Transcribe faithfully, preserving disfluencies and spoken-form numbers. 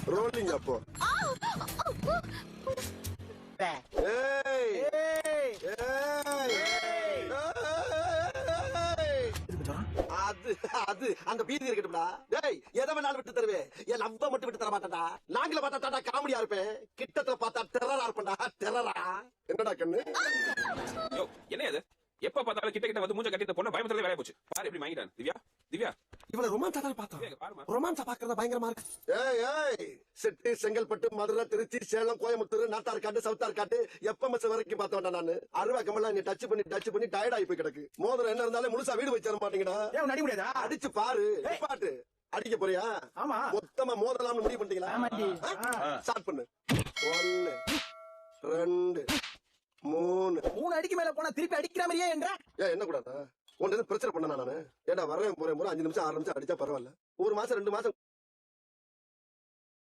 Rolling அப்போ. ஏய் ஏய் அது அது அந்த பீதி இருக்கட்டும்டா. டேய் எதை வேணாலும் விட்டு தருவேன், என் லவ்வ மட்டும் விட்டு தர மாட்டேன்டா. நாங்கள பார்த்தா காமெடியா இருப்பேன், கிட்டத்துல பார்த்தா டெரரா இருப்பேன்டா. டெரரா என்னடா கண்ணு? யோ என்ன இது? எப்ப பார்த்தாலும் கிட்ட கிட்ட வந்து மூஞ்ச கட்டி இந்த பொண்ணை பயமத்துல வேலைய போச்சு. பாரு எப்படி வாங்கிட்டான். திவ்யா திவ்யா இவள ரொமான்ஸா தான் பார்த்தோம். பாருமா ரொமான்ஸா பாக்குறதா பயங்கரமா இருக்கு. ஏய் ஏய் செட்டி, செங்கல்பட்டு, மதுரை, திருச்சி, சேலம், கோயம்புத்தூர், நாத்தார்காட்டு, சவுத்தார்காட்டு, எப்பமஸ் வரைக்கும் பார்த்தோம்டா. நானு அருவா கமலா நீ டச் பண்ணி டச் பண்ணி டயர்ட் ஆகி போய் கிடக்கு. மோதிரம் என்ன இருந்தாலும் முழுசா வீடு வச்சு தர மாட்டீங்கடா. ஏன் அடி முடியாதா? அடிச்சு பாரு. பாட்டு அடிக்க போறியா? ஆமா. மொத்தமா மோதலாம்னு முடிவு பண்ணிட்டீங்களா? ஆமாண்டி. ஸ்டார்ட் பண்ணு. ஒன்னு ரெண்டு மூணு மூணு அடிக்கு மேல போனா திருப்பி அடிக்கிற மாதிரியே என்ற ஏன் என்ன கூடாதா? உன்ன பிரச்சனை பண்ண நானு. ஏடா வரேன் போறேன் போற அஞ்சு நிமிஷம் ஆறு நிமிஷம் அடிச்சா பரவாயில்ல. ஒரு மாசம் ரெண்டு மாசம்